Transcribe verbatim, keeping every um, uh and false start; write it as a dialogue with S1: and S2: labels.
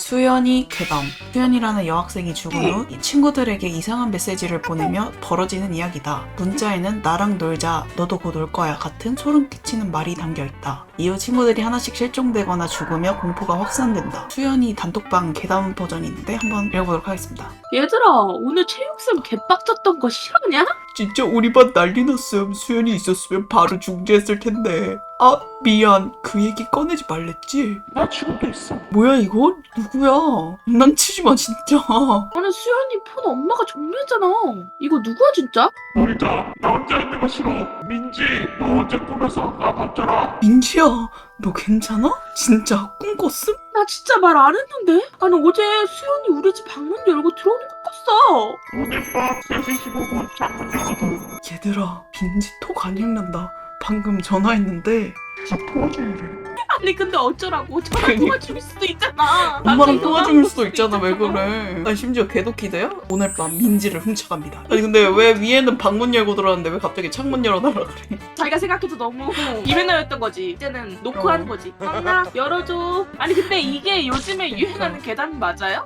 S1: 수연이 괴담. 수연이라는 여학생이 죽은 후 이 친구들에게 이상한 메시지를 보내며 벌어지는 이야기다. 문자에는 나랑 놀자, 너도 곧 올 거야 같은 소름 끼치는 말이 담겨있다. 이후 친구들이 하나씩 실종되거나 죽으며 공포가 확산된다. 수연이 단톡방 괴담 버전이 있는데 한번 읽어보도록 하겠습니다.
S2: 얘들아, 오늘 체육쌤 개빡쳤던 거 싫었냐?
S1: 진짜 우리 반 난리 났음. 수연이 있었으면 바로 중지했을 텐데. 아 미안, 그 얘기 꺼내지 말랬지.
S3: 나 지금도 있어.
S1: 뭐야 이거? 누구야? 장난치지마 진짜.
S2: 아니 수연이 폰 엄마가 정리했잖아. 이거 누구야 진짜?
S3: 우리가 나 혼자 있는 거 싫어. 민지, 너 어제 꿈에서 나 봤잖아.
S1: 민지야, 너 괜찮아? 진짜 꿈 꿨음?
S2: 나 진짜 말 안 했는데? 아니 어제 수연이 우리 집 방문 열고 들어오는 거 꿨어.
S3: 오늘 밤 세 시 십오 분 창문 열어도
S1: 얘들아, 민지 톡 안 읽는다. 방금 전화했는데
S3: 저 통화 중이래.
S2: 아니 근데 어쩌라고? 전화
S1: 그러니까.
S2: 통화 줄 수도 있잖아.
S1: 엄마랑
S2: 나중에
S1: 통화
S2: 전화
S1: 중일
S2: 줄
S1: 수도 있잖아. 왜 그래? 아니 심지어 개도키드야? 오늘 밤 민지를 훔쳐갑니다. 아니 근데 왜 위에는 방문 열고 들어왔는데 왜 갑자기 창문 열어달라 그래?
S2: 자기가 생각해도 너무 이벤트였던 거지. 이제는 노크하는 거지. 엄마 열어줘. 아니 근데 이게 요즘에 유행하는 계단 맞아요?